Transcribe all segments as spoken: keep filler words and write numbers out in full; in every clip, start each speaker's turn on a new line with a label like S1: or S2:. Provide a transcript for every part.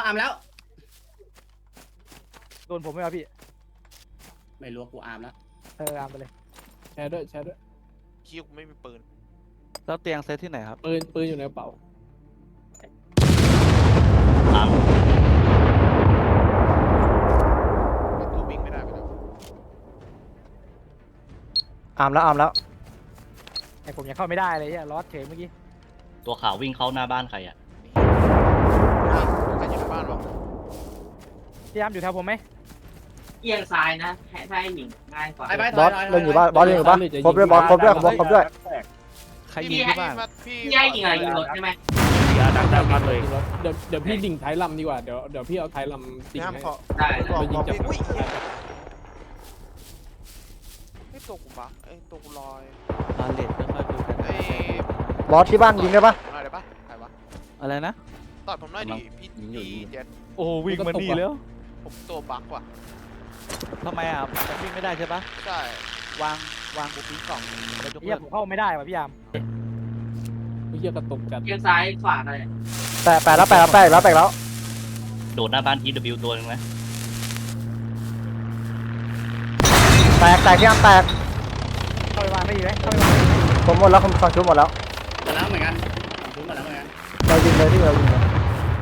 S1: อาร์มแล้ว
S2: โดนผมไหมครับพี่
S1: ไม่รู้กูอาร์มแล้ว
S2: เอออาร์มไปเลย
S3: แชร์ด้วยแชร์ด้วย
S4: คิวไม่มีปืน
S5: แล้วเตียงเซตที่ไหนครับ
S3: ปืนปืนอยู่ในกระเป๋า
S1: อาร์ม
S4: ประตูวิ่งไม่ได้ไปแล้ว
S6: อาร์มแล้วอาร์มแล้ว
S2: ไอผมยังเข้าไม่ได้เลยเนี่ยลอสเฉยเมื่อกี้
S1: ตัวขาววิ่งเข้าหน้าบ้านใครอ่ะ
S4: ใครอยู่ในบ้านวะ
S2: พี่อาร์มอยู่แถวผมไหม
S7: เอียงซ้ายนะให้ให้หญิงง่ายกว่า
S6: บอสเล่นอยู่บ้านบอสเล่นอยู่บ้านครบด้วยบอสครบด้วยครบครบด้วย
S5: ใครยิงที่บ้าน
S7: พี่ให้หญิงอะไรยิงรถใช่ไหม
S3: ดักดักมาเลยเดี๋ยวเดี๋ยวพี่ดิ่งท้ายลำดีกว่าเดี๋ยวเดี๋ยวพี่เอาท้ายลำดิ่งให้
S7: ได้
S3: ไปยิงจับ
S4: ไอ้ตัวกูบักไอ้ตัวกูลอย
S5: บาเลตไม่ค่อยดูกัน
S4: ไอ้
S6: บอสที่บ้านยิงได้ปะ
S4: อะไรได้ปะใครวะ
S5: อะไรนะ
S4: ตอดผมหน่อยดิพี่พี่เจ็ด
S5: โอ้วิ่งมาดีแล้ว
S4: ผมตัวบักว่ะ
S5: ทำไมอ่ะมันวิ่งไม่ได้ใช่ปะ
S4: ใช่
S5: วางวางกูปิ้งกล่องแล้วยก
S2: เฮี
S5: เลิ
S2: ย
S5: ก
S2: ผมเข้าไม่ได้ว่ะพี่อาร์ม
S3: ไม่เกี่ยวกับตกจัด
S7: เอียงซ้ายขวาอะไร
S6: แปะแปะแล้วแปะแล้วแปะแล้วแปะแล้ว
S1: โดดหน้าบ้าน ที ดับเบิลยู ตัวนึงไหม
S6: แตกแตกที่อาร์มแตก
S2: เข้าไปวางได้ดีไหมเข้าไปวาง
S6: ผมหมดแล้วผมฟังชุบหมดแล้ว
S1: หมดแล้วเหมือนกันชุบหมดแล้วเหมือนกัน
S6: เรายิงเลยที่เรายิงเลย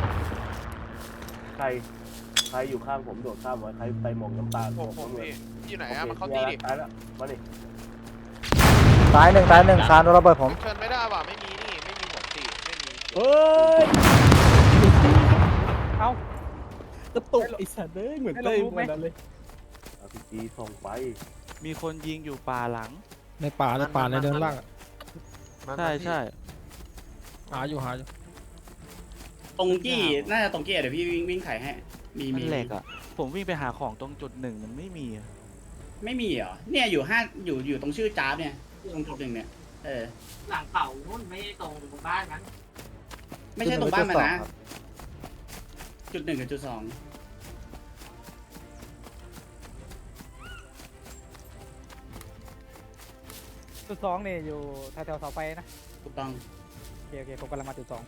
S8: ใครใครอยู่ข้างผมโดดข้ามไว้ใครไปมองน้ำตาล
S4: ผมผมพี่อยู่ไหนอะมันเข้าตีดิ
S8: ตายแล้วมาดิ
S6: ตายหนึ่งตายหนึ่งซานโดนระเบิดผม
S4: เชิญไม่ได้ว่ะไม่มีนี่ไม่มีหัวตีไม่มี
S3: เฮ้ย
S2: เอ้าก
S3: ระตุกไอ้สัตว์เลยเหมือนเต้ยเหมือนนั้นเลย
S8: อาร์พีจีส่งไป
S5: มีคนยิงอยู่ป่าหลัง
S3: ในป่าในป่าในเดินล่าง
S5: ใช่ใช่
S3: หาอยู่หาอยู่
S1: ตรงกี้น่าจะตรงกี้เดี๋ยวพี่วิ่งวิ่งไข่ให้มี
S5: มัน
S1: มี
S5: แหลกอ่ะผมวิ่งไปหาของตรงจุดหนึ่งมันไม่มีอ่ะ
S1: ไม่มีเหรอเนี่ยอยู่ห้าอยู่อยู่ตรงชื่อจ้าบเนี่ยตรงจุดหนึ่งเนี่ยเออ
S7: หลังเขานู่นไม่ตรงบ้านนั้น
S1: ไม่ใช่ตรงบ้านมันนะจุดหนึ่งกับจุดสอง
S2: จุดสองเนี่ยอยู่แถวแถวเสาไฟนะ
S1: ถูกต้อง
S2: โอเคโอเคผมกำลังมาจุดสอง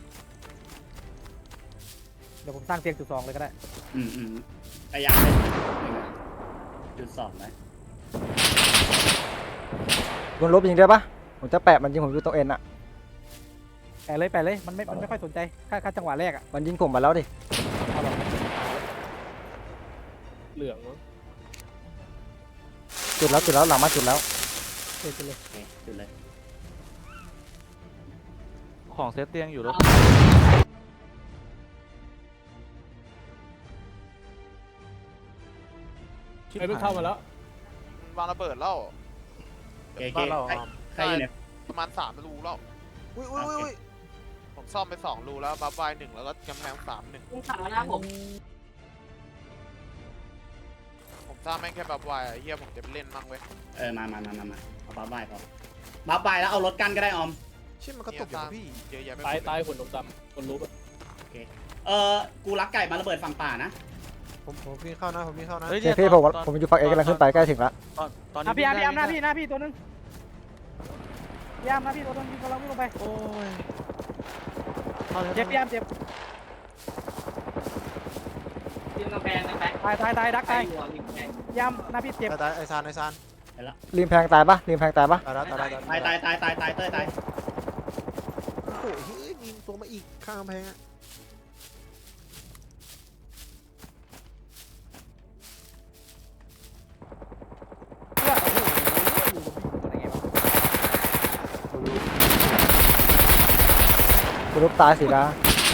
S2: เดี๋ยวผมสร้างเตียงจุดสองเลยก็ได้
S1: อืมอืมพยายามเลยจุดสองไหม
S6: บนลบยิงได้ปะผมจะแปะมันยิงผมอยู่ตรงเอ็นอะ
S2: แปะเลยแปะเลยมันไม่มันไม่ค่อยสนใจค่าค่าจังหวะแรกอะ
S6: มันยิงผมมาแล้วดิ
S3: เหลือง
S6: จุดแล้วจุดแล้วหลังมาจุดแล้ว
S2: จุดเลย
S1: จุดเลย
S5: ของเซตเตียงอยู่แล้ว
S3: ไอ้เพิ่งเข้ามาแล้ว
S4: วางระเบิดแล้ว
S1: เก๋เก๋ใครอยู่เนี่ย
S4: ประมาณสามรูแล้วอุ้ยอุ้ยอุ้ยผมซ่อมไปสองรูแล้วบัฟไวหนึ่งแล้วก็กำแพงสามหนึ่ง
S7: คุณขาแล้วผม
S4: ผมสร้างแม่งแค่บัฟไวอะเฮียผมจะไปเล่นมั่งเว้ย
S1: เออมามามามามาเอาบัฟไวพอบัฟไวแล้วเอารถกันก็ได้ออม
S4: ชิมันก็ตกอยู่พี่เยอะแยะไป
S3: ตายตายคนดำๆคนรู้ปะ
S1: โอเคเออกูรักไก่มาระเบิดฝั่งป่านะ
S4: ผมผมพี่เข้านะผมพี่เข้านะ
S6: เฮ้ยพี่ผมผมอยู่ฝั่งเอกำลังขึ้นไปใกล้ถึงแล้ว
S5: ตอนตอน
S2: นี้พี่อาร์มพี่อาร์มหน้าพี่หน้าพี่ตัวนึงพี่อาร์มหน้าพี่ตัวนึงกำลังวิ่งลงไป
S5: โอ้ย
S2: เจ็บพี่อาร์มเจ็บ
S7: ยิงกระแพงนะแป๊ะ
S2: ตายตายตายดักตายพี่อาร์มหน้าพี่เจ็บ
S4: ตายไอซานไอซาน
S6: ริมแพงตายปะริมแพงตายปะ
S4: ตายตาย
S1: ตายตายตายตายตายเต้ยตาย
S4: โอ้โหเฮ้ยยิงตัวมาอีกข้างกำแพงอะ
S6: รูปตายสิละ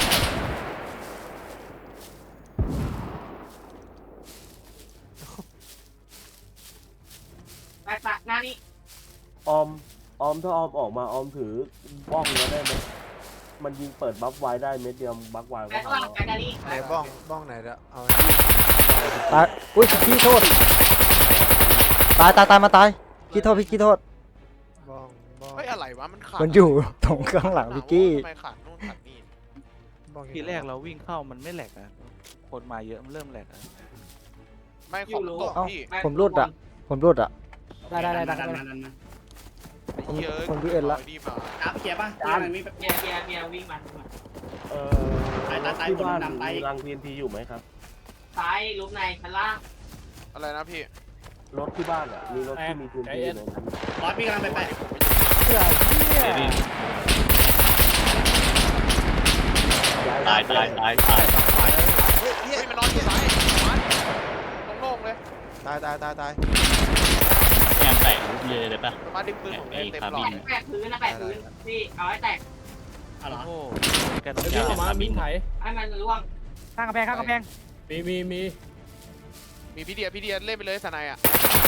S7: ไปปะหน้านี้
S8: ออมออมถ้าออมออกมาออมถือบ้องแล้วได้ไหมมันยิงเปิดบัฟไว้ได้เม็ดเดียวบัฟไว้ก็พอ
S4: ไหนบ้องบ้องไหนเด้อเอา
S6: ตายอุ้ยขี้โทษตายตายตายมาตายขี้โทษพี่ขี้โทษ
S4: บ้องบ้องเฮ้ยอะไรวะมันขาด
S6: มันอยู่ตรงข้างหลังพี่กี้
S4: ทำไมขาดนู่นขาดนี่
S5: ทีแรกเราวิ่งเข้ามันไม่แหลกอะคนมาเยอะมันเริ่มแหลกอะ
S4: ไม่ของตกพี่
S6: ผมรุดอะผมรุดอะ
S2: ได้ได้ได้ได้
S6: คนวิ่งเอ็นละ
S1: จ้าเขียป่ะจ้ามันวิ่ง
S7: เกียร์เกียร์เกียร์วิ่งมา
S8: เออ
S1: ตายตายตาย
S8: ที่
S1: หัว
S8: บ้าน
S1: ดำตาย
S8: มีรัง ที เอ็น ที อยู่ไหมครับ
S7: ซ้ายลุกในชั้นล่าง
S4: อะไรนะพี่
S8: รถที่บ้านอ่ะมีรถที่มี ที เอ็น ที อยู่ไหมครับ
S1: บอสพี่กำลังไปไป
S3: เสือเหี้ย
S8: ตายตายตาย
S4: เฮ้ยมันนอนอยู่ซ้ายมันโล่งๆเลย
S9: ตายตายตายตาย
S5: แอมแตกเลยเลยปะ
S4: มาดึงปืนผมเต็มหลอ
S7: แปะ
S4: ด
S7: แปะพื้นนะแปะพื้นพี่เอาให้แตก
S1: เอาเหรอ
S5: โอ้กัน
S3: เดี๋ยวพี่ออกมามินไถ
S7: ให้มันร่วง
S2: ข้างกำแพงข้างกำแพง
S3: มีมีมี
S4: มีพี่เดียพี่เดียเล่นไปเลยสนายอ่ะ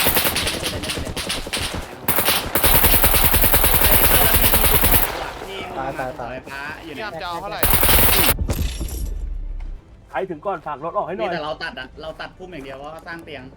S1: ตายตายตายฟ้าอยู่
S4: พี่
S1: ใน
S4: อามจะเอาเท่าไหร่
S8: ใครถึงก่อนฝากรถออกให้หน่
S1: นี่
S8: อย
S1: แต่เราตัดอะเราตัดพุ่มอย่างเดียวว่าสร้างเตียง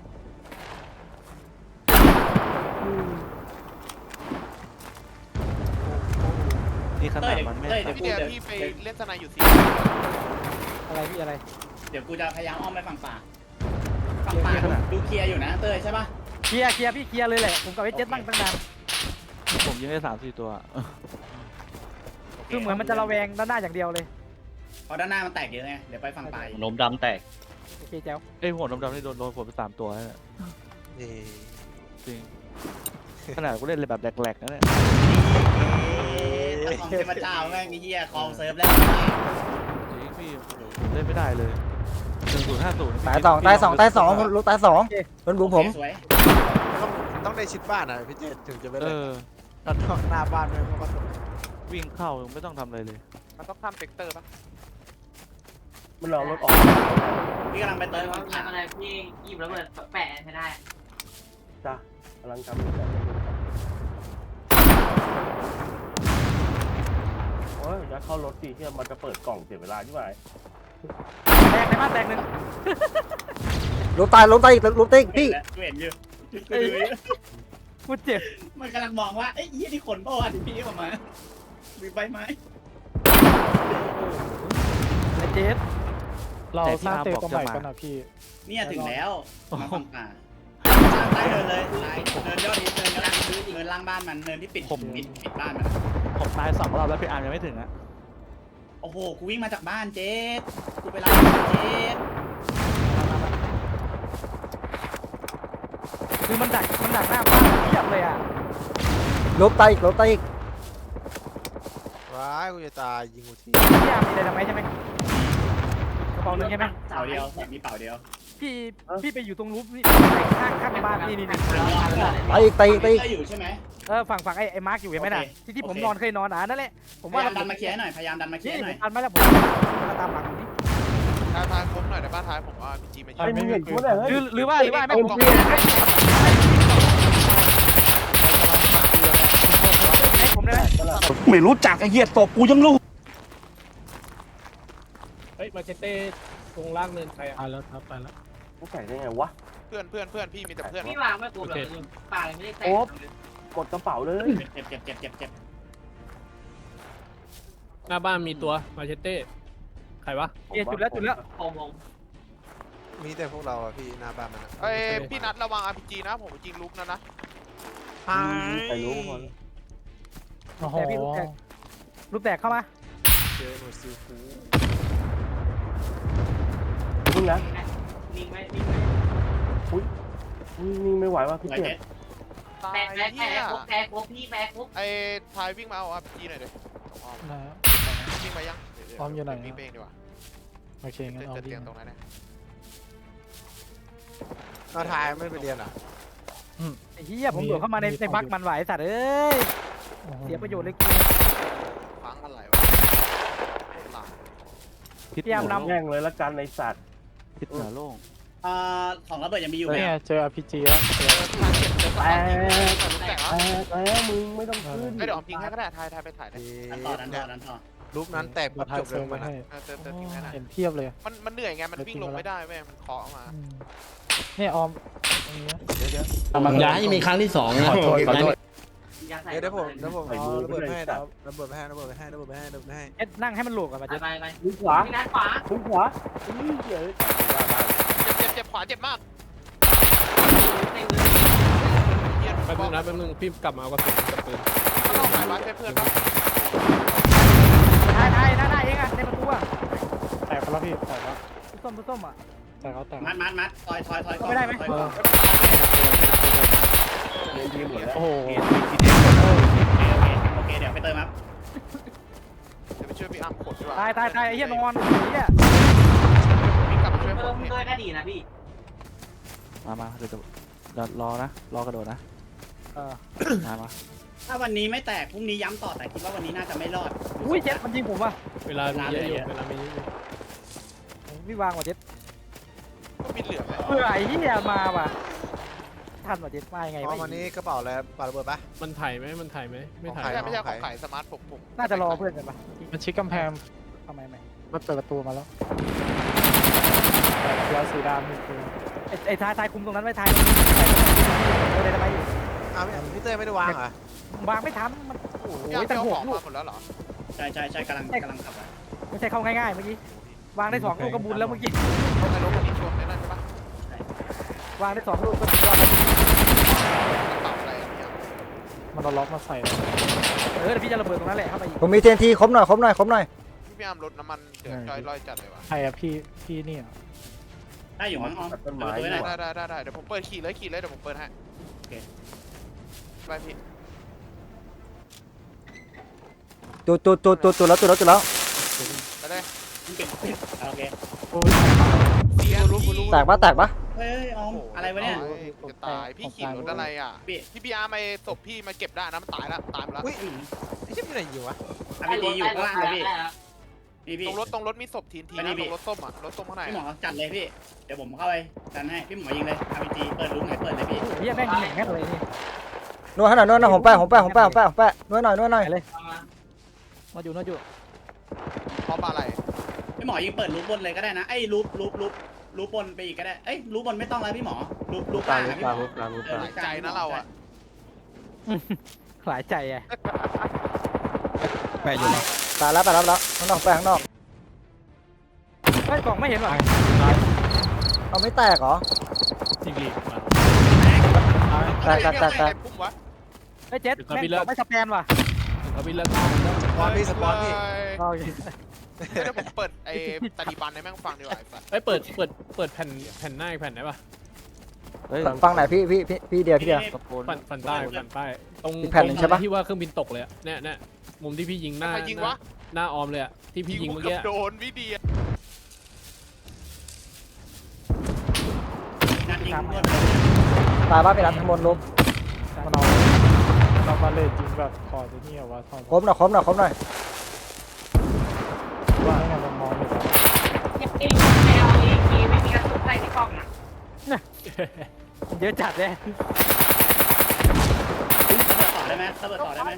S5: นี่ข
S1: เต้
S5: นาด
S1: ย
S5: มันไม่
S1: เต้ย
S4: พี่
S1: เดี๋
S4: เดี
S1: ย
S4: ยว พี่ไปเล่นสนายอยู่สี่
S2: อะไรพี่อะไร
S1: เดี๋ยวกูจะพยายามอ้อมไปฝั่งป่าฝั่งป่าดูเคลียร์อยู่นะเต้ยใช่ปะ
S2: เคลียร์เคลียร์พี่เคลียร์เลยแหละผมกับไอ้เจ็ดตั้งตั้งนาน
S5: ผมยิงได้สามสี่ตัว
S2: คือเหมือนมันจะระแวงด้านหน้าอย่างเดียวเลย
S1: เพราะด้านหน้ามันแตกเยอะไงเดี๋ยวไปฝั่งป่าอีก
S5: ล้มดำแตก
S2: โอเคแจ๋ว
S5: ไอ้หัวดำๆนี่โดนโดนผมไปสามตัวแล้วเนี่ย
S9: นี่
S5: จริงขนาดกูเล่นเลยแบบแหลกๆนะเนี่ย
S1: นี่ของเทพเจ้าแม่งไอ้เหี้ยคลองเซิร์ฟแล้ว
S5: จริงพี่ผมเล่นไม่ได้เลยหนึ่งศูนย์ห้าศูนย์
S6: ตายสองตายสองตายสองลูกตายสองเป็นบุ๋มผม
S1: สวย
S9: ต้องต้องได้ชิดบ้านอ่ะพี่เจถึงจะไป
S5: เอ
S9: เล่น
S5: อ
S9: ตอนนอกหน้าบ้านไม่เพราะว่า
S5: วิ่งเข้าไม่ต้องทำอะไรเลย
S4: มันต้องทำเซกเตอร์ปะ
S8: มันรอรถออก
S1: พี่กำลังไปเติม
S7: เอา
S1: ฝั่งป่า
S7: ทำอะไรพี่หยิบระเบิดแปะให้ได้
S8: จ้ะกำลังทำอยู่แต่ไม่รู้โอ้ยจะเข้ารถสิที่มันจะเปิดกล่องเสียเวลาใช่ไหม
S2: แตกในบ้านแตกหนึ่ง
S6: ลูกตายลูกตายอีกลูกตายอีกพี่
S1: กูเห็นอยู่
S2: พูดเจ็บ
S1: มันกำลังมองว่าไอ้ยี่นี่ขนเปล่าวะที่พี่ออกมามีใบไม้
S2: ไอ้เจ็ด
S3: เราสร้างเตะตัวใหม่กันนะพี่
S1: เนี่ยถึงแล้วมาฝั่งป่าใต้เดินเลยใต้เดินยอดนี้เดินล่างเดินล่างบ้านมันเดินที่ปิดปิดปิดบ้านมัน
S5: ผมตายสองรอบแล้วพี่อาร์มยังไม่ถึงอ่ะ
S1: โอ้โหกูวิ่งมาจากบ้านเจ๊ดกูไปรับเจ๊ด
S2: คือมันดักมันดักหน้าบ้านเทียบเลยอ่ะ
S6: ลูกตายอีกลูกตายอีก
S9: ว้ายกูจะตายยิงกูที
S2: พี่ยามมีอะไรทำไมใช่ไหมกระเป๋าหนึ่งใช่ไหม
S1: เป่าเดียวมีเป่าเดียว
S2: พี่พี่ไปอยู่ตรงรูปนี่ข้างข้างในบ้านนี่นี่นี่
S6: ตายอีกตายอีกตายอีก
S1: ก็อยู่ใช่ไหม
S2: เออฝั่งฝั่งไอ้ไอ้มาร์กอยู่เห็นไหมน่ะ
S1: โอเค
S2: ที่ที่ผม
S1: โอเคน
S2: อนเคยนอนอ่ะนั่นแหละผม
S1: พ
S2: ว่าย
S1: ายามดันมาเคลียร์หน่อยพยายามดันมาเคลีย
S2: นี่
S1: ร์ห
S2: ผ
S1: น่อย
S2: มทันไหมล่ะผมมาตามหลังผมนี่
S4: ท้ายท้ายครบหน่อยในบ้านท้ายผมว่าพีจีมา
S8: ไอ้
S4: ยิง
S8: มึงเห็นกูเนี่ย
S2: ห
S8: เฮ้ย
S2: รือหรือว่าหรือว่าไม่ผมให้ผมได้ไหม
S1: ไม่รู้จักไอ้เหี้ยตบกูยังรู้
S3: เฮ้ยมาเชเต้ตรงล่างเนินใครอ่ะตายแล้วครับตายแล้ว
S8: กูใส่ได้ไงวะ
S4: เพื่อนเพื่อนเพื่อนพี่มีแต่เพื่อน
S7: พี่วางไม่กลัวเลยป่าเลยไม่ได้แตก
S8: กดกระเป๋าเลย
S1: เจ็บเจ็บเจ็บเจ็บเจ็บ
S3: หน้าบ้านมีตัวมาเชเต้ใครวะ
S2: เจุดแล้วจุดแล้ว
S7: ผมผม
S9: มีแต่พวกเราอะพี่หน้าบ้านมันอะ
S4: เอ้ยพี่นัดระวังอาร์พีจีนะผมยิงลุกนะนะ
S8: ใครรู้คน
S2: แต่พี่ลูกแตกลูกแตกเข้ามา
S9: เจอหนูซิลฟู
S8: มึงนะ
S7: นิ่งไว้นิ่งไว้
S8: นี่ไม่ไหวว่ะพี่
S1: ไว้
S8: เจ็
S1: เจ็
S8: บ
S1: ด
S4: ตาย
S7: แปะแปะ
S4: เหี้
S7: แปะ
S4: ย
S7: ครบแปะครบพี่แปะครบ
S4: ไอ้ทายวิ่งมาเอาอาร์พีจีหน่อยดิวิ่งมายังวิ่งเองดีกว่า
S3: โอเคงั้น
S4: เจ
S3: เอา
S4: อ
S3: ดิ
S4: เตียงตรงนั้นนะ
S9: เราทายไม่ไปเรียนอ่ะ
S2: ไอ้เหี้ยผมโดดเข้ามาในในบักมันไหวสัตว์เอ้ยเสียประโยชน์เลยกู
S4: ฟังอะไรวะหลัง
S5: พิษ
S2: พี่อาร์มนำ
S8: แย่งเลยละกันในสัตว์
S5: พิษเหนือโล่ง
S1: อ่าของระเบิดยังมีอยู่ไหม
S3: เนี่ยเจอ อาร์ พี จี แล้ว
S4: ทายเจ็บเจอทายลุกแตกแล้ว
S8: แต่แล้วมึงไม่ต้องขึ้น
S4: ไม่เดี๋ยวออมทิ้งให้ก็ได้ทายทายไปถ่ายเลย
S1: ดันต่อดันต่อดันต่อ
S9: ลูกนั้นแตกปุ๊บจบเลยมันอะ
S4: เติมเติมทิ้งให้หน่อย
S3: เห็นเทียบเลย
S4: มันมันเหนื่อยไงมันวิ่งลงไม่ได้เว้ยมันเคาะมา
S3: เนี่ยออม
S8: เดี๋ยวเดี๋ยว
S10: อย่าให้มีครั้งที่สองนะ
S3: ขอโทษขอโทษ
S7: ยาใส่
S9: เดี๋ยวผมเดี๋ยวผมเอาระเบิดไปให้เดี๋ยวระเบิดไปให้ระเบิดไปให้ระเบิดไปให้ระเบิดไปให้
S2: เอ็ดนั่งให้มันหลวกอ่ะมา
S7: ไป
S2: เจ็ด
S7: ไปไป
S8: มึงขวา
S7: พี่นัดขวา
S8: มึงขวานี่เดี๋ยว
S4: เจ็บเจ็บเจ็บขวาเจ็บมาก
S7: เต็ม
S4: เฮีย
S3: แป๊บนึงนะแป๊บนึงพี่กลับมาเอากระสุนกับปืน
S4: มันต้องหายบ้านใช่เพื่อนปะ
S2: ท้ายท้ายหน้าหน้าเองอ่ะในประตูอ่ะ
S8: ไป
S3: กไปแล้วพี่แตกแล้ว
S2: ส้มส้มอ่ะ
S3: แตกแล้วแตก
S1: มัดมัดมัดถอยถอยถอย
S2: ไม่ได้ไหม
S1: ถอยก่อน
S8: เล่นทีมหมดแล้ว
S3: โอ้โห
S1: โอเคโอเคโอเคเดี๋ยวไปเติมครับ
S4: เดี๋ยวไปช่วยพี่อาร์มขนดีกว่า
S2: ตายตายตายไอ้เหี้ยนอนไอ้เหี้ย
S4: พี่กลับไปช่วยผ
S7: เพิ่
S4: ม
S7: ม
S4: พี่
S7: ด้วยก็ดีนะพี่
S5: มามาเดี๋ยวจะเดี๋ยวรอนะรอกระโดดนะ
S2: เออ
S5: มามา
S1: ถ้าวันนี้ไม่แตกพรุ่งนี้ย้ำต่อแต่คิดว่าวันนี้น่าจะไม่รอด
S2: อุ้ยเจ็ดมันยิงผมว่ะ
S3: เวลามีเยอะอยู่เวลามีเยอะอยู่
S2: พี่วางว่ะเจ็ด
S4: ก็มีเหลือไหม
S2: เพื่อไอ้เหี้ยมาว่ะทันว่ะเจ็ดมายังไง
S9: พอ
S2: วะ
S9: วันนี้กระเป๋าแล้วปาระเบิดปะ
S3: มันถ่ายไหมมันถ่ายไหมไม่ถ่าย
S4: ไม่ใช่ไม่ใช่ของขายสมาร์ทผมผม
S2: น่าจะรอเพื่อนกันปะ
S3: มันชิดกำแพง
S2: ทำไมไม่
S3: มันเปิดประตูมาแล้วยาสีดำนี่คือ
S2: ไอ้ไอ้ทายทายคุมตรงนั้นไว้ทายเลยทำไม
S9: อ้าวพี่เต้ไม่ได้วางเหรอ
S2: วางไม่ทันมันโอ้
S4: พี่อาร์
S2: ย
S4: ม
S2: ตั้ง
S4: เอา
S2: ห
S4: ข
S2: ก
S4: อง
S2: ลู
S4: มาก หมดแล้วเหรอ
S1: ใช่ใช่ใช่กำลังกำลังขับอ่ะ
S2: ไม่ใช่เข้าง่ายๆเมื่อกี้วางได้สองลูกก็บุญแล้วเมื่อกี้
S4: ต้องในรถคันนี้ชนได้นั่นใช่ปะ
S2: วางได้สองลูกก็สุดยอด
S4: กระเป๋าอะไรอ่ะพี่อาร์ม
S3: มันเอาล็อกมาใส่
S2: เออเดี๋ยวพี่จะระเบิดตรงนั้นแหละเข้าไปอีก
S6: ผมมีเทนทีครบหน่อยครบหน่อยครบหน่อย
S4: พี่อาร์มรถน้ำมันเดือดจอยลอยจัดเลยว่ะ
S3: ใครอะพี่พี่นี่อะ
S1: ได้อยู่มั้งอ๋อ
S8: ตัดต้นไม้
S1: เปิดประตู
S8: ดี
S1: ไว้
S8: ก
S1: ได้
S8: ว่า
S4: ได้ได้ได้ได้เดี๋ยวผมเปิดขี่เลยขี่เลยเดี๋ยวผมเปิดให้
S1: โอเค
S4: ไปพี่
S6: จุดจุดจุดจุดจุดแล้วจุดแล้วจุดแล้ว
S4: ไปเลย
S1: มันเป็นโอเค
S4: เสียรู้รู้
S6: แตกปะแตกปะ
S1: เฮ้ยออมอะไรวะเนี่ย
S4: จะตายพี่ขี่รถอะไรอ่ะ
S1: พี่
S4: พี่พี่อาร์มไอ้ศพพี่มาเก็บได้นะมันตายแล้วตายไปแล้ว
S9: อุ้ยไอ้เจ้าอยู่ไหนอยู่วะ
S1: อาร์พีจีอยู่ข้างล่างเลยพี่พี่พี่
S4: ตรงรถตรงรถมีศพทีนที
S1: ไปนี่
S4: นะ
S1: พี่
S4: ตรงรถส้มอ่ะรถส้มข้างใน
S1: พี่หมอจัดเลยพี่เดี๋ยวผมเข้าไปดันให้พี่หมอยิงเลยอาร์พีจีเปิดรูไหนเปิดเลยพี่
S2: เฮียแม่งยิงอย่างนั้นเลยนี่
S6: นวดให้หน่อยนวดหน่อยผมแปะผมแปะผมแปะผมแปะผมแปะนวดหน่อยนวดหน่อย
S2: มาอยู่มาอยู่
S4: เพราะอะไร
S1: พี่หมอยิงเปิดรูบนเลยก็ได้นะไอ้รูรูรูรูบนไปอีกก็ได้เอ้ยรูบนไม่ต้องแล้วพี่หมอรูรูก
S8: กลา
S1: ลาง ง
S8: รู
S1: อะ
S8: ป
S1: พี่
S8: ก
S1: หม
S8: ลาง
S1: อ
S8: รูปกลางรูปกลาง
S4: หลายใจนะเราอ่ะ
S2: หลายใจไง
S9: แปะอยู่ไหน
S6: ตายแล้วตายแล้วแล้วข้างนอกแปะข้างนอก
S2: ไอ้กล่องไม่เห็นหรอ
S6: เอาไม่แตกเหรอ
S3: จริงดิมา
S6: แตกแตกแตกแตก
S4: พุ่มวะ
S2: ไอ้เจ็ดแม่งกล่องไม่สแปนว่ะ
S3: เขาพี่เลิก
S9: สปอนพี่สปอนพี่
S2: โอเค
S4: เดี๋ยวผมเปิดไอ้ตาดีบันให้แม่งฟังดีกว่าไอ้สัส
S3: เอ้ยเปิดเปิดเปิดแผ่นแผ่นหน้าอีกแผ่นได้ปะ
S5: เฮ้ย
S6: ฟังไหนพี่พี่พี่พี่เดียวพี่เดียว
S5: ตะโกน
S3: ฝั่นฝั่นใต้ฝั่นใต้ตรง
S6: อีกแผ่นหนึ่งใช่ปะ
S3: ที่ว่าเครื่องบินตกเลยอะเนี่ยเนี่ยมุมที่พี่ยิงหน้า
S4: ใครยิงวะ
S3: หน้าออมเลยอะที่พี่ยิงเมื่อกี้
S4: โดนพี่เดีย
S1: นัดยิงรวด
S6: ตายปะไปรับข้างบนลุม
S3: มันเอาเราบาเลตยิงแบบคอร์ดนี่เอาวะทอง
S6: ครบหน่อยครบหน่อยครบหน่อย
S3: ว่าไงมันมองอยู่แล้ว
S7: เองไม่เอาเองไม่มีกระสุนใส่ในกล่องนะ
S2: เยอะจัดเลย
S1: ต่อได้ไหมระเบิดต่อได้ไหม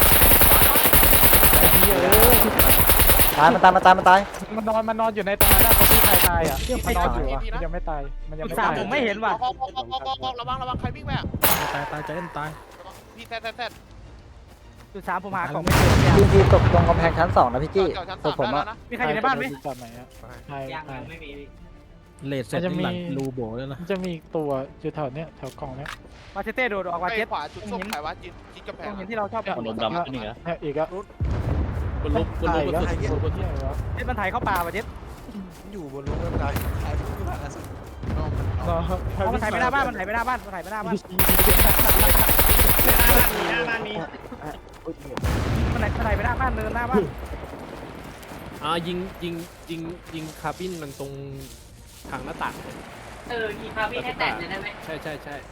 S6: ตายมันตายมันตายมันตาย
S3: มันนอนมันนอนอยู่ในตรงนั้นตรงที่ใครตายอ่ะมันนอนอยู่อ่ะมันยังไม่ตายมันยังไม่
S2: สาม
S3: ตาย
S2: ผมไม่เห็นว่ะ
S4: ออกออกออกออกออกออกระวังระวังใครวิ่งไปอ่ะ
S3: ตายตายใจเอ็นตาย
S4: พี่แท้แท้แท้
S2: จุดสามผมหากล่องไม่เจอ
S6: ทีมทีตกตรงกำแพงชั้นสองนะพี่กี้
S4: เก่าชั้น
S6: ศ
S4: สา
S6: พ
S4: ม
S6: ผม
S4: ได้
S6: อะ
S4: แล้วนะ
S2: มีใครอยู่ในบ้านไหม
S3: จอดไหนอ่ะใช่
S7: ยัง
S3: ใช่
S7: ไม่มี
S3: เลดเสร็จจะมีรูโบแล้วนะมันจะมีตัวอยู่แถวเนี้ยแถวกล่องเนี้ย
S2: มาเชเต้โดดออกมา
S4: ไป
S2: เจ็ด
S4: ขวาจุดส้มขายว่าจิจิกระแพ
S2: ต้อง งเห็นที่เราชอบ
S3: เนี่ย
S2: พูด
S3: ดำขึ้นอีกแล้วเนี่ยอีกอ่ะบนรูปบนรูปบนรูปบนรูปที่ไหนวะ
S2: เจ็ดมันถ่ายเข้าป่าว่ะเจ็ด
S9: อยู่บนรถไม่เป็นไรถ่ายที่ผ่านสุด
S3: เนาะ
S2: อ๋อมันถ่ายไปหน้าบ้านมันถ่ายไปหน้าบ้านมันถ่ายไปหน้าบ้าน
S1: หน้าบ้านมีหน้าบ้านมี
S2: มันถ่ายมันถ่ายไปหน้าบ้านเนินหน้าบ้าน
S3: อ่ายิงยิงยิงยิงคาร์บินมันตรงทางหน้าต่าง
S7: เออกีพาพี่ให้แตกเลยได้ไหม
S3: ใช่ใช่ใช่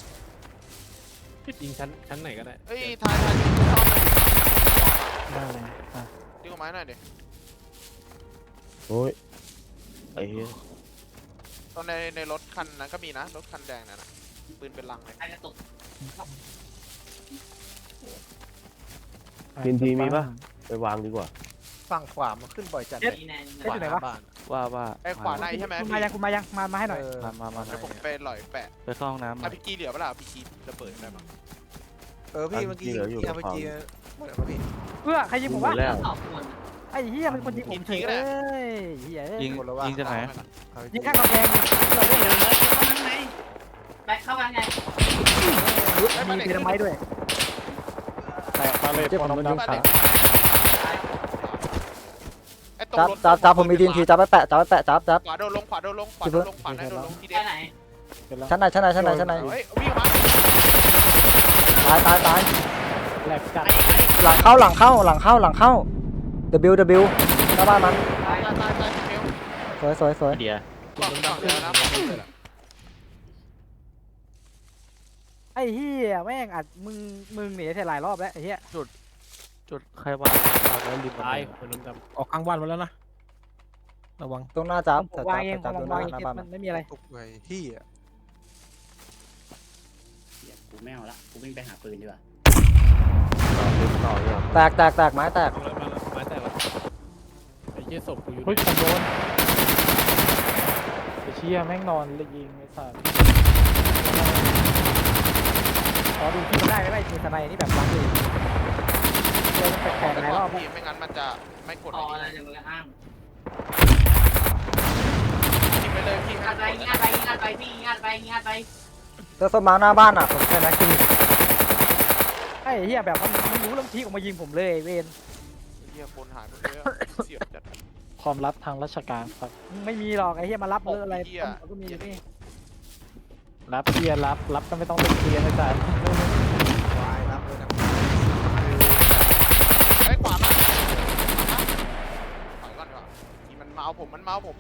S3: ยิงชั้นชั้นไหนก็ได้
S4: เฮ้ยทายทายจุดส้ม
S3: ได้เลยอ่ะ
S4: ดึงออกมาหน่อยดิ
S8: โอ้ยไอ้เหี้ย
S4: ตอนในในรถคันนั้นก็มีนะรถคันแดงนั่นนะปืนเป็นลังเลย
S7: ไอ้กระตุก
S8: ทีนทีมีปะไปวางดีกว่า
S9: ฝั่งขวามันขึ้นบ่อยจัดเลย
S7: นี่แน่
S2: เจ็ดอยู่ไหนวะ
S9: บ้าน
S5: ว่าว่า
S4: ไอ้ขวาในใช่ไหม
S2: คุณ
S4: พี่
S2: มายังคุณมายังมามาให้หน่อย
S9: เออ
S5: มามามา
S4: เดี๋ยวผมไปหล่อยแปะ
S5: ไปเข้าห้องน้ำ
S4: อาพีจีเหลือเปล่าพีจีระเบิดได้มั้ง
S9: เออพี่เมื่อกี้ที่อาร์พีจีหมดแล้วพี่
S2: เพื่อใครยิงผมวะ
S8: แล้ว
S7: สองคน
S2: ไอ้เหี้ยเป็นคนยิงผมเฉยเลยเหี้ย
S5: ยิงยิงจากไหน
S2: ยิงข้างกำแพง
S1: เราได้เลยเข้ามาข้างใน
S7: แบกเข้ามาไง
S2: มีเทนไม้ด้วย
S3: แต่ตาเลย
S6: เจ็บผมโดนยิงขา
S4: ไอ้ตรง
S6: จับ
S4: รถ
S6: จับจับผมมีทีนทีจับไปแปะจับไปแปะจับจับ
S4: ขวาโดนลงขวาโดนลงขวาโดนลงขวาไหนโดนลงทีเด็
S7: แค่
S4: ด
S7: ไหน
S5: เสร็จแล้ว
S6: ชั้นไหนชั้นไหนชั้นไหนชั้นไหน
S4: เฮ้ยวิ่งมา
S6: ตายตายตาย
S2: แหลกจัด
S6: หลังเข้าหลังเข้าหลังเข้าหลังเข้า W W หน้าบ้านมัน
S4: ตายตายตายตายเมล
S6: สวยสวยสวย
S5: เดีย
S4: กล่องกล่องเดียวนะ
S2: ไอ้เหี้ยแม่งอัดมึงมึงหนีเสร็จหลายรอบแล้วไอ้เหี้ย
S5: จุดใครวางวางไว้ริมบัน
S3: ตา
S5: ได
S3: ยหัวนมดำ
S9: ออกกลางวันมาแล้วนะระวัง
S6: ตรงหน้าจับ
S2: ผม
S6: จับ
S2: วางเองผ
S6: จับ
S2: ม
S6: ตรงห
S2: วา
S6: น้าง
S2: เอง
S6: หน้าบ้าน
S2: มันไม่มีอะไร
S9: ตกไอ้ที่อ่ะ
S1: เหี้ยกูไม่เอาละกูวิ่งไปหาปืนดีกว่า
S5: ต่อเลย
S6: แตกแตกแตกไม้แตก
S3: มาแล้วมาแล้วไม้แตกแล้วไอ้เหี้ยศพกูอยู่
S2: เฮ้ย
S3: ไหน
S2: ผมโดนไอ้เชี่ยแม่งนอนเลยยิงไอ้สัสขอดูที่มันได้ไหมมีสไนนี่แบบวางอยู่เจอมันแปลกๆหลายรอบ
S4: พี่ไม่งั้นมันจะไม่กด
S7: ต่ออะไรจะมืออ้าง
S4: ทิ้งไปเลยพี่
S7: งานไปงานไปงานไปพี่งานไปงานไป
S6: เจอสมมาหน้าบ้านอ่ะผมแค่นั้นคือ
S2: ไอ้เหี้ยแบบมันมันรู้แล้วมันพีกออกมายิงผมเลยไอ้เวน
S4: เฮียคนหายไปเยอะเสียจัด
S5: ความลับทางราชการครับ
S2: ไม่มีหรอกไอ้เหี้ยมารับเรื่องอะไร
S4: เหี้ย
S2: ก็มีอยู่นี่
S5: รับเคลียร์รับรับก็ไม่ต้องไปเคลียร์นะจ๊ะ
S9: วายรับเลยนะ
S4: ไอ้ขวามาถอยก่อนดีกว่าทีมันมาเอาผมมันมาเอาผม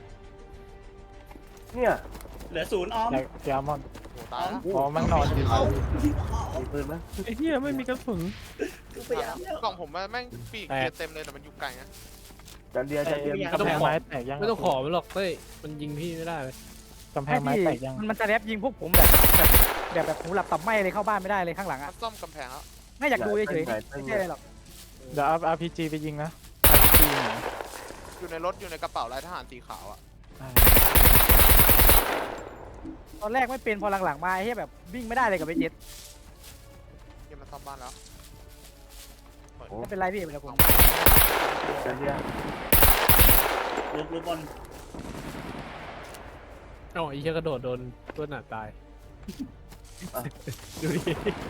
S8: เนี่ย
S1: เหลือศูนย์ออม
S5: อยากยามอน
S4: โอ้ตายแล้ว
S5: อ๋อมันนอนอยู่
S8: มีปืนไหม
S3: ไอ้เหี้ยไม่มีกระสุน
S1: กูพยายามแล้ว
S4: กล่องผมแม่งปีกเกียร์เต็มเลยแต่มันอยู่ไกลนะ
S8: จันเดียจันเดีย
S5: กำแพงไม้แตกยัง
S3: ไม่ต้องขอมันหรอกเต้ยมันยิงพี่ไม่ได้เลย
S5: กำแพงไม้แตกยัง
S2: มันมันจะแรปยิงพวกผมแบบแบบแบบแบบหูหลับตับไหมเลยเข้าบ้านไม่ได้เลยข้างหลัง
S4: มั
S2: อ่ะ
S4: นซ่อมกำแพงแล้ว
S2: ไม่อยากดูเฉยๆไม่ใช่อะไรหรอก
S5: เดี๋ยวเอา อาร์ พี จี ไปยิงนะ อาร์ พี จี
S4: อยู่ในรถอยู่ในกระเป๋าลายทหารสีขาวอ่ะ
S2: ตอนแรกไม่เป็นพอหลังๆมาไอ้เหี้ยแบบวิ่งไม่ได้เลยกับไอ้เจ็ด
S4: เกมมันซ่อมบ้านแล้ว
S2: ไม่เป็นไรพี่เป็นไรผม
S8: จันเดีย
S1: ลุกลุกบน
S3: อ๋อไอ้เหี้ยกระโดดโดนตัวหนาตายดูดิ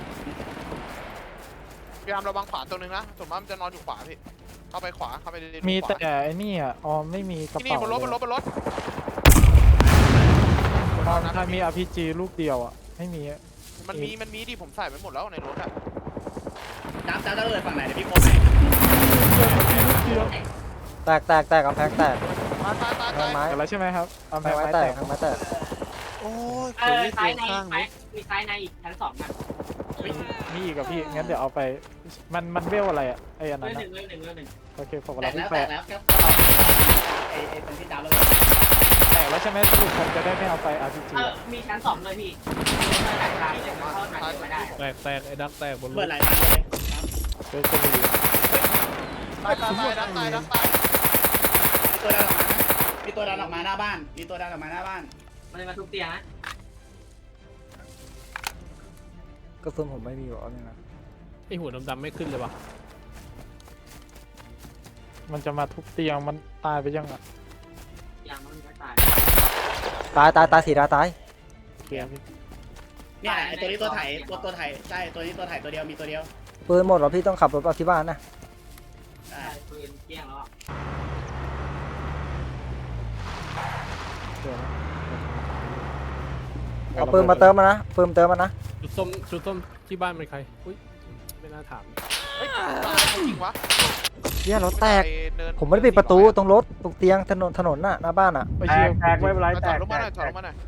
S4: พยายามระวังขวาตัวนึงนะส่วนมากมันจะนอนอยู่ขวาพี่เข้าไปขวาเข้าไปในรู
S5: มี
S4: ขวา
S5: แต่ไอ้นี่อ่ะออมไม่มีกระ
S4: ที่นี่
S5: เป๋า
S4: บนรถบนรถบนรถ
S5: ออมถ้ามี อาร์ พี จี ลูกเดียวอ่ะไม่มีอะ
S4: มันมีมันมีดิผมใส่ไว้หมดแล้วในรถอ่ะ
S1: จับจับจะเลยฝั่งไหนเดี๋ยวพี่โค้ชให้
S6: แตกแตกแตกกำแพงแตก
S4: ตายตายตาย
S6: กำแพ
S4: ตาง ย
S6: ไม้
S5: เห็นแล้วใช่ไหมครับกำ
S6: กำ
S5: แพ
S6: แพง
S5: ง
S6: ไม้
S5: ไม้
S6: แต
S5: แต
S6: ก
S5: ก
S6: กำแพงไม้แตก
S9: โอ้ย
S7: เอ
S9: คน
S7: อ
S9: ที่
S7: ซ้า
S9: เตี
S7: ย
S9: ยง
S7: ใน
S9: ข้าง
S7: มีซ้ายในอีกชั้นสองนะ
S5: มีอีกกับพี่งั้นเดี๋ยวเอาไปมันมันเวลอะไรอ่ะไอ้อัน
S7: เรื่
S5: นั้
S7: อน งห
S5: อะ
S7: นึ่งเรื่องหนึ่งเรื่องหนึ่ง
S5: โอเคผม
S1: แต
S5: รั
S1: ก
S5: บ
S1: แล้
S5: พี่
S1: ว
S5: แป
S1: แต
S5: ด
S1: กแล้วครับไอ้ไอ้ตรงที่จับแล้วเลย
S5: แตกแล้วใช่ไหมสรุปผมจะได้ไม่เอาไป อาร์ พี จี
S7: เออมีชั้นสองเลยพี่แตกตายเลยเข้าไหนไม่ได้
S3: แตกแตกไอ้ดักแตกบนร
S1: เปิ
S3: ถ
S1: ดหลายทางเลย
S5: เฮ้ยจะมี
S4: ตายตายตายดักตายดักตาย
S1: มีตัวดันออกมานะมีตัวดันออกมาหน้าบ้าน มีตัวดันออกมาหน้าบ้าน
S7: มันเลยมาทุบเตียงนะ
S6: กระสุนผมไม่มีหรอกนี่นะ
S3: ไอ้หัวดำๆไม่ขึ้นเลยวะ
S5: มันจะมาทุบเตียงมันตายไปยังอ่ะ
S7: ยังมันไม่ตาย
S6: ตายตายตายสีดาตาย
S5: เตียงพี่
S1: เนี่ยไอ้ตัวนี้ตัวไถตัวตัวไถใช่ตัวนี้ตัวไถตัวเดียวมีตัวเดียว
S6: ปืนหมดเหรอพี่ต้องขับรถไปที่บ้านนะ
S1: ใช่
S7: ตายปืนเกี้ยงแล้ว
S5: เดี๋ยวนะ
S6: เอาปืนมาเติมมานะปืนเติมมานะ
S3: จุดส้มจุดส้มที่บ้านเป็นใครอุ้ยไม่น่าถาม
S4: เฮ้ยตายจริงวะ
S6: เฮียรถแตก
S4: ปเนิน
S6: ผมไม่ได้ปิดประตูตรงรถตรงเตียงถนนถนนน่ะหน้าบ้านอ่ะ
S5: ไม่
S8: แต
S5: เชื่อก
S8: แตกไม่เป็นไร
S4: ถ
S8: แต
S4: อย
S8: ก
S4: ลง
S8: แต
S4: มาหน่อย
S8: ก
S4: ถอยลงมาหน่อย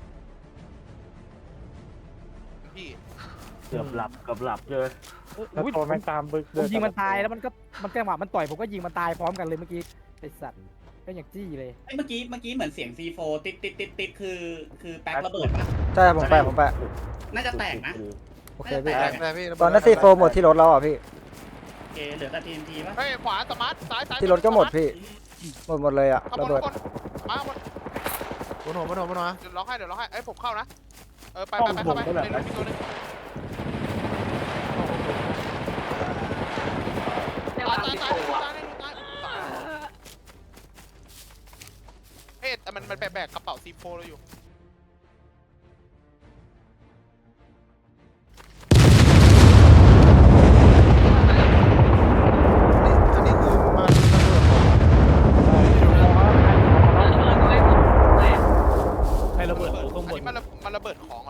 S4: พี่
S8: เกือบหลับเกือบหลับเลย
S5: แล้ว
S2: อุ้ย
S5: โทรแม่งตามบึก
S2: ผมยิงมันตายแล้วมันก็มันจังหวะมันต่อยผมก็ยิงมันตายพร้อมกันเลยเมื่อกี้ไอ้สัตว์ก็อย่างจี้เลย
S1: ไอ้เมื่อกี้เมื่อกี้เหมือนเสียง ซี โฟร์ ติดติดติดติดคือคือแป๊กระเบิดป่ะ
S6: ใช่ผมแปะผมแปะ
S1: น่าจะแตกนะ
S6: โอเคพี่
S9: แตกเลยพี่
S6: ตอนนั้นซีโฟหมดที่รถแล้วอ่ะพี่
S1: โอเคเหลือแต่ ที เอ็น ที ป่ะ
S4: เฮ้ยขวาสมาร์ทซ้ายซ้าย
S6: ที่รถก็หมดพี่หมดหมดเลยอ่ะ
S4: ข้างบ
S6: ระ
S4: น
S6: เบิด
S4: ข้างบนมาบน
S9: บนหัวบนหัวบนหัว
S4: เดี๋ยวล็อกให้เดี๋ยวล็อกให้เอ้ยผมเข้านะเออไปไปไปเข้าไปในรถมีตัวนึง
S7: เรียก
S4: ตา
S7: ว่าย
S4: ตาย
S7: สิบ
S4: ตาย
S7: โล
S4: ตายตายตายเฮ้ยแต่มันมันแบกกระเป๋าซีโฟเราอยู่
S9: อันนี้คือมาระเบิด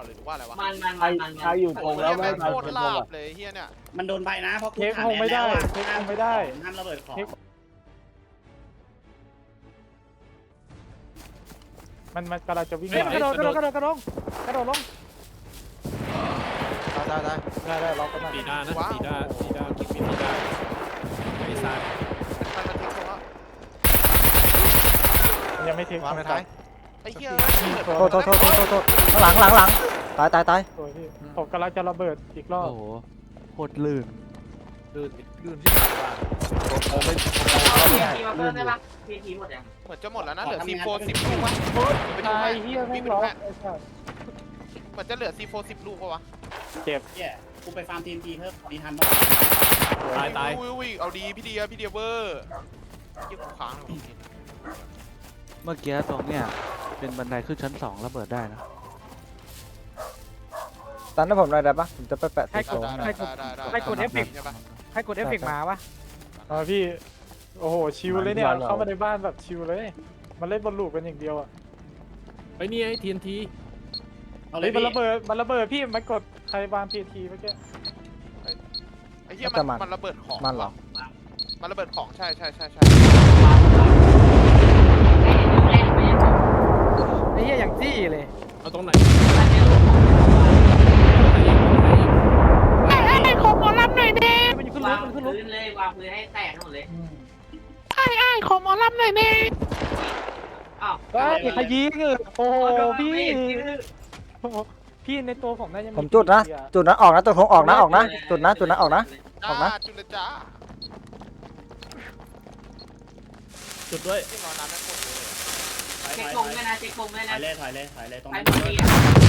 S4: เลยหรือว่าอะไรวะ
S7: มันมัน
S8: ใคร
S7: มันมัน
S8: ใครอยู่ตรงแล้วไม่
S4: โค
S8: ให้
S4: ต
S8: ใคร
S4: ร
S8: เป็น
S4: ลา
S8: ลง
S4: บ
S8: อ่ะ
S4: เลยเฮียเนี่ย
S1: มันโดนใบนะเพราะกู
S2: เค้ก
S1: ถาม
S2: คงไม่ได้
S1: แล้วอะ
S2: เค้กคงไม่ได้
S1: ห้ามระเบิดของ
S2: เค้ก มันมันกำลังจะวิ่ง
S3: เฮ้ย
S2: กระโดดกระโดดกระโดดกระโดดกระโดดลง
S9: ตายตายตาย
S2: ได้ได้ล็อกกันหน่อย
S3: ปีด้านะปีด้าปีด้าคิดมีปีด้าไอ้ซาน
S4: มันมันทิ้งตรงแล้ว
S2: มันยังไม่ทิ้ง
S9: วางไปท้าย
S4: ไอ้เฮีย
S6: โทษโทษโทษโทษโทษโทษข้างหลังหลังหลังตายตายตาย
S2: สวยพี่ผมกำลังจะระเบิดอีกรอบ
S5: โอ้โหโคตรลื่น
S3: ลื่น
S5: ลื่นที่ไหนวะผมไม่
S7: เอาพีทีมาเพิ่มได้ปะพีทีหมดยัง
S4: เหมือนจะหมดแล้วนะเหลือซีโฟสิบลูกวะไปดู
S2: ตาย
S4: ให้
S2: เฮียแม่
S4: พี่
S2: ง
S4: ไป
S2: ล็
S4: ดู
S2: อก
S4: ให้
S2: ไอ้สัส
S4: เหมือนจะเหลือซีโฟสิบลูกปะวะ
S2: เจ็บ
S1: เหี้ยกูไปฟาร์มทีมทีเพิ่มดีทันบ้าง
S3: ตายตาย
S4: อุ้ยอุ้ยเอาดีพี่เดียพี่เดียเวอร์ยิ่งกูค้างเลย
S5: เมื่อกี้ตรงเนี้ยเป็นบันไดขึ้นชั้นสองระเบิดได้นะ
S6: ตันให้ผมหน่อยได้ปะผมจะไปแปะติ
S2: ให้
S6: ด
S2: ก
S6: โถ
S2: ด
S6: ง
S2: ให้กดให้กดเอฟเฟกต์
S4: ใช่ปะ
S2: ให้กดเอฟเฟกต์มาวะอ๋อพี่โอ้โหชิลเลยเนี่ยเข้ามาในบ้านแบบชิลเลยมันเล่นบอลลูกกันอย่างเดียวอ่ะ
S3: ไอ้นี่ไอ้ทีนที
S1: เอาเล
S2: เฮ้
S1: ย
S2: ยมัน
S1: พี่
S2: ระเบิดมันระเบิดพี่มันกดใครวางพีทีเมื่อกี้
S4: ไอ้เหี้ยมันมันระเบิดของ
S6: มันเหรอ
S4: มันระเบิดของใช่ใช่ใช่ใช่
S2: ไอ้เหี้ยอย่างจี้เลย
S3: เอาตรงไหน
S2: มันอยู่ขึ้นร
S7: วา
S2: ถ
S7: ง
S2: มันขึ้นรถ
S7: พื้นเลยวางพื้นให้แตกทั้งหมดเลย
S2: อ้าวเฮ้ยขยี้เงอโอ้โหพี่โอ้โหพี่ในตัวผมน่าจะ
S6: ผมจุดนะจุดนั้นออกนะตัวโถงออกนะออกนะจุดนะจุดนั้นออกนะ ออกนะ
S4: จุลจ้า
S3: จุดด้วย
S4: ที่รอนานแม่งหมดเลย
S1: ถอย
S7: เช็ค
S1: ถ
S7: ก
S1: อง
S7: ด้วย
S1: ย
S7: นะเช็คกงด้วย
S1: ถอ
S7: นะ
S1: ยเลยถอยเลยถอยเลยตรง
S7: ไป
S1: นั้น
S7: หมดดี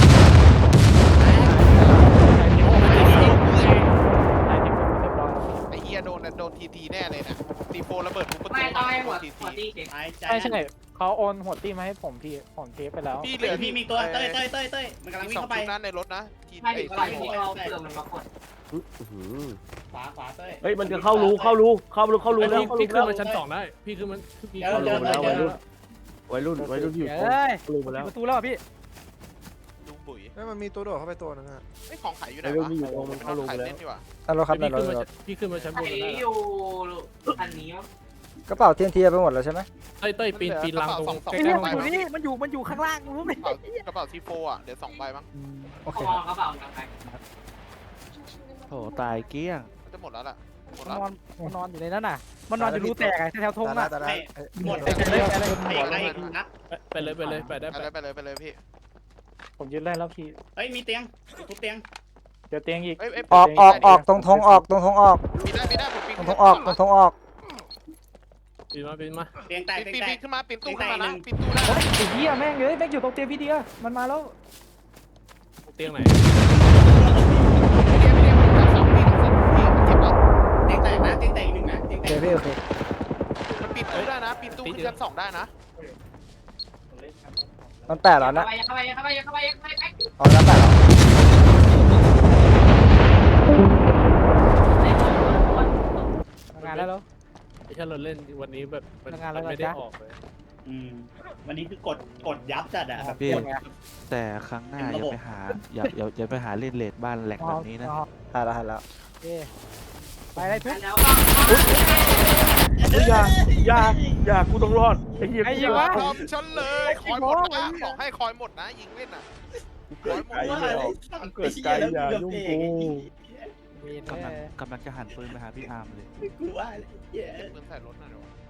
S4: ไอ้เหี้ยโดนโดนทีทีแน่เลยเนี่ยซีโฟระเบิดทุกประตู
S7: ไม่ต้องให้หมด
S4: ที
S7: หมด
S4: ที
S7: ดีเช็ค
S1: หายใจ
S2: ใช่ใช่เขาโอนหัวตีมาให้ผมพี่ผมเทปไปแล้ว
S4: พี่เห
S1: เดี๋
S4: ลื
S1: ย
S4: อ
S1: วพี่มีตัวเต้ยเต้ยเต้ยเต้ยมันกำลังวิ่ง
S4: สอง
S1: เข้าไป
S4: ชุดนั้นในรถนะที
S7: ให้
S4: ไอ้
S7: ดีก
S4: ซี
S7: ว่า
S4: โฟ
S7: ที่เราเผื่อมันปรากฏ
S8: อื้อหือ
S1: ขวาขวาเต้ย
S8: เฮ้ยมันจะเข้ารูเข้ารูเข้ารูเข้ารู
S3: ไอ้
S8: แล้ว
S3: พี่
S8: เข้ารู
S3: พี่ขึ้
S8: แล้
S3: น
S8: ว
S3: มาชั้นสองได้พี่ขึ้นมาพี่
S1: เดี๋ยว
S3: ขึ้น
S1: เดี๋ยว
S3: มา
S1: เดี๋ยว
S8: วัย
S1: เดี๋ยว
S8: รุ่นวัยรุ่นวัยรุ่นที่อยู่
S2: เฮ้ย
S8: เข้ารูมาแล้ว
S2: ประตูแล้วพี่
S4: ดูปุ๋ย
S9: เฮ้ยมันมีตัวโดดเข้าไปตัวนึงอะ
S4: ไอ้ของขายอยู่ไหน
S8: วัยรุ่น
S4: วะ
S8: ที่อยู่ตรงมันเข้ารู
S4: ขา
S8: ไป
S4: ย
S8: แล้ว
S4: เล่นดีกว่า
S6: นั่นรถครับ
S3: พี่
S6: นั่นร
S3: ขึ้น
S6: ถ
S3: มา
S6: รถ
S3: พี่ขึ้นมาชั้นบ
S7: ไอ้
S3: นได้
S7: อยู่อันนี้
S6: กระเป๋าเทียนทีไปหมดแล้วใช่ไหม
S3: เต้ยเต้ยปีนปีนรางตรงใก
S2: ไอ้
S3: ล้
S2: เหี้ย
S3: ๆห้อง
S2: มันอยู่
S3: น้ำ
S2: นี่มันอยู่มันอยู่ข้างล่างรู้ไหม
S4: กระเป๋าซีโฟอ่ะเดี๋ยวสองใบมั้ง
S6: โอเค
S7: มองกระเป๋ากันไป
S5: โอ้โหตายเกลี้ยง
S4: จะหมดแล้วล่ะหมด
S2: มัน
S4: แล้ว
S2: นอนมันนอนอยู่ในนั้นน่ะ มันนอนอยู่รูแตกไงแถวทง
S9: ตาย
S2: อ่ะ
S9: ตายตาย
S1: หมด
S2: ไปเลยไปเลย
S1: ไปอะไรนัด
S3: ไปเลยไปเลยไปได้
S4: ไป
S3: ไป
S4: เลยไปเลยไปเลยพี่
S2: ผมยืนได้แล้วพี่
S1: เฮ้ยมีเตียงทุบเตียง
S2: เดี๋ยวเตียงอีก
S4: เอ้ยเอ้ย
S6: ออกออกออกตรงธงออกตรงธงออก
S4: ปีนได้ปีนได้ผมปีน
S6: ตรงธงออกตรงธงออก
S3: ปีนมาปีนมา
S1: เตียงแตก
S4: ปีน
S1: เตียง
S4: ปีน
S1: แต
S4: ปี
S1: ก
S4: นขึ้นมาปีนตู้ขึ้นมานะปีนตู้ได้
S2: เฮ้ยไอ้เหี้ยแม่งเลยแม่งอยู่ตรงเตียงพี่เดียมันมาแล้ว
S3: เตียงไหน
S4: เดี๋ยวเดี๋ยวเดี๋ยวสองปีนสองปีนเจ็บปะ
S1: เตียงแตกนะเตียงแตกอีกหนึ่งนะเตียง
S6: โอ
S1: แต
S6: เค
S1: ก
S6: พี่โอเค
S4: มันปีนตู้ได้นะปีนตู้ขึ้นชั้นสองได้นะ
S6: มันแปดแล้วนะ
S7: เข้าไปเข้าไปเข้าไปเข้าไปเข้าไป
S6: ออกแล้วแปดแล้ว
S2: ทำงานได้แล้ว
S3: ไอ้แค่เราเล่นวันนี้แบบมัน
S2: ทำงานแล้ว
S3: ไม่
S2: เหรอ
S3: ได้
S2: จ๊ะ
S3: ออกเลย
S1: อืมวันนี้คือกดกดยับจัดอะแบบ
S5: พี่
S1: กด
S5: แต่ครั้งหน้า
S1: เต็ม
S5: อย่า
S1: ระบบ
S5: ไปหาอย่าอย่าอย่าไปหาเล่นเลดบ้านแหลกแบบนี้นะ
S6: หายแล้วหายแล้ว
S2: โอเคไปได้ทุก
S7: แล้ว
S8: อย่าอย่าอย่ากูต้องรอดไอ้เหี้ย
S2: ไอ้เหี้ยวะ
S4: พร้อมฉันเลยคอยหมดนะบอกให้คอยหมดนะยิงเล่นอ่ะคอยหมด
S8: ไอ้เหี้ยเกิดใจอย่ายุ่งกู
S2: มี
S5: กำลัง
S2: แน่
S5: กำลังจะหันปืนไปหาพี่อาร์มเลย
S1: กูว่าเลยเหี้ย
S4: เก็บปืนใส่รถหน่อยเดี๋ยว